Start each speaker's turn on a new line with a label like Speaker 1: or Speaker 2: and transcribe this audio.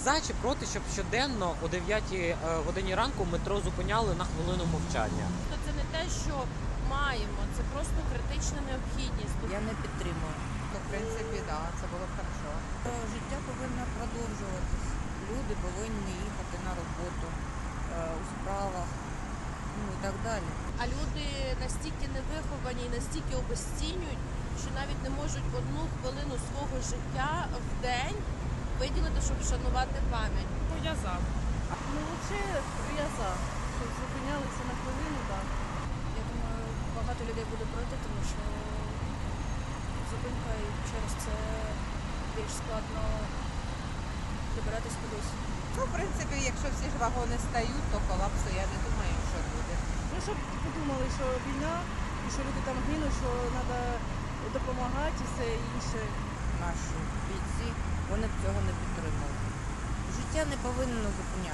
Speaker 1: за чи проти, щоб щоденно о 9 годині ранку метро зупиняли на хвилину мовчання?
Speaker 2: То це не те, що маємо, це просто критична необхідність.
Speaker 3: Я не підтримую.
Speaker 4: Ну, в принципі, так, да, це було б хорошо.
Speaker 3: Життя повинно продовжуватись. Люди повинні їхати на роботу у справах, ну і так далі.
Speaker 2: А люди настільки невиховані і настільки обезцінюють, що навіть не можуть одну хвилину свого життя в день виділити, щоб вшанувати пам'ять.
Speaker 5: Я за. Ну, взагалі, я за. Щоб зупинялися на хвилину, так.
Speaker 6: Я думаю, багато людей буде проти, тому що зупинка і через це більш складно добиратись кудись.
Speaker 4: Ну, в принципі, якщо всі ж вагони стають, то колапсу я не думаю, що буде.
Speaker 5: Ну, щоб подумали, що війна, і що люди там гинуть, що треба допомагати і все інше.
Speaker 3: Наші бійці, вони б цього не підтримали. Життя не повинно зупинятися.